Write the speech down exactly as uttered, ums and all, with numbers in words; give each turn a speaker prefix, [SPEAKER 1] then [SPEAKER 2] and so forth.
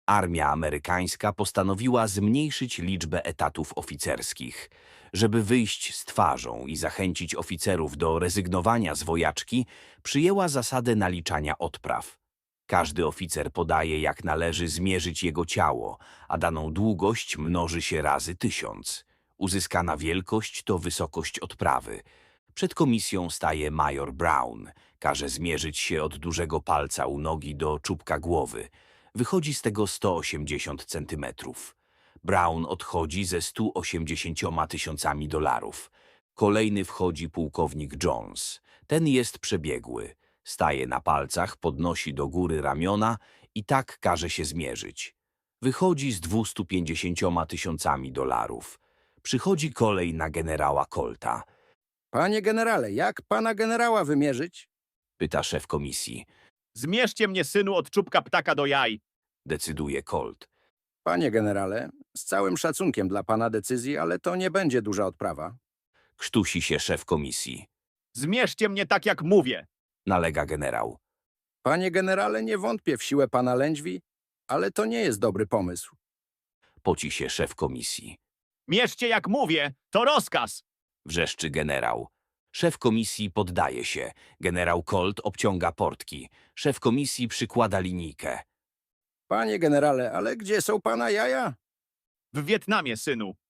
[SPEAKER 1] Armia amerykańska postanowiła zmniejszyć liczbę etatów oficerskich. Żeby wyjść z twarzą i zachęcić oficerów do rezygnowania z wojaczki, przyjęła zasadę naliczania odpraw. Każdy oficer podaje, jak należy zmierzyć jego ciało, a daną długość mnoży się razy tysiąc. Uzyskana wielkość to wysokość odprawy. Przed komisją staje major Brown. Każe zmierzyć się od dużego palca u nogi do czubka głowy. Wychodzi z tego sto osiemdziesiąt centymetrów. Brown odchodzi ze stu osiemdziesięcioma tysiącami dolarów. Kolejny wchodzi pułkownik Jones. Ten jest przebiegły. Staje na palcach, podnosi do góry ramiona i tak każe się zmierzyć. Wychodzi z dwustu pięćdziesięcioma tysiącami dolarów. Przychodzi kolej na generała Colta.
[SPEAKER 2] Panie generale, jak pana generała wymierzyć?
[SPEAKER 1] Pyta szef komisji.
[SPEAKER 3] Zmierzcie mnie, synu, od czubka ptaka do jaj.
[SPEAKER 1] Decyduje Colt.
[SPEAKER 2] Panie generale, z całym szacunkiem dla pana decyzji, ale to nie będzie duża odprawa.
[SPEAKER 1] Krztusi się szef komisji.
[SPEAKER 3] Zmierzcie mnie tak, jak mówię.
[SPEAKER 1] Nalega generał.
[SPEAKER 2] Panie generale, nie wątpię w siłę pana lędźwi, ale to nie jest dobry pomysł.
[SPEAKER 1] Poci się szef komisji.
[SPEAKER 3] Mierzcie, jak mówię. To rozkaz.
[SPEAKER 1] Wrzeszczy generał. Szef komisji poddaje się. Generał Colt obciąga portki. Szef komisji przykłada linijkę.
[SPEAKER 2] Panie generale, ale gdzie są pana jaja?
[SPEAKER 3] W Wietnamie, synu.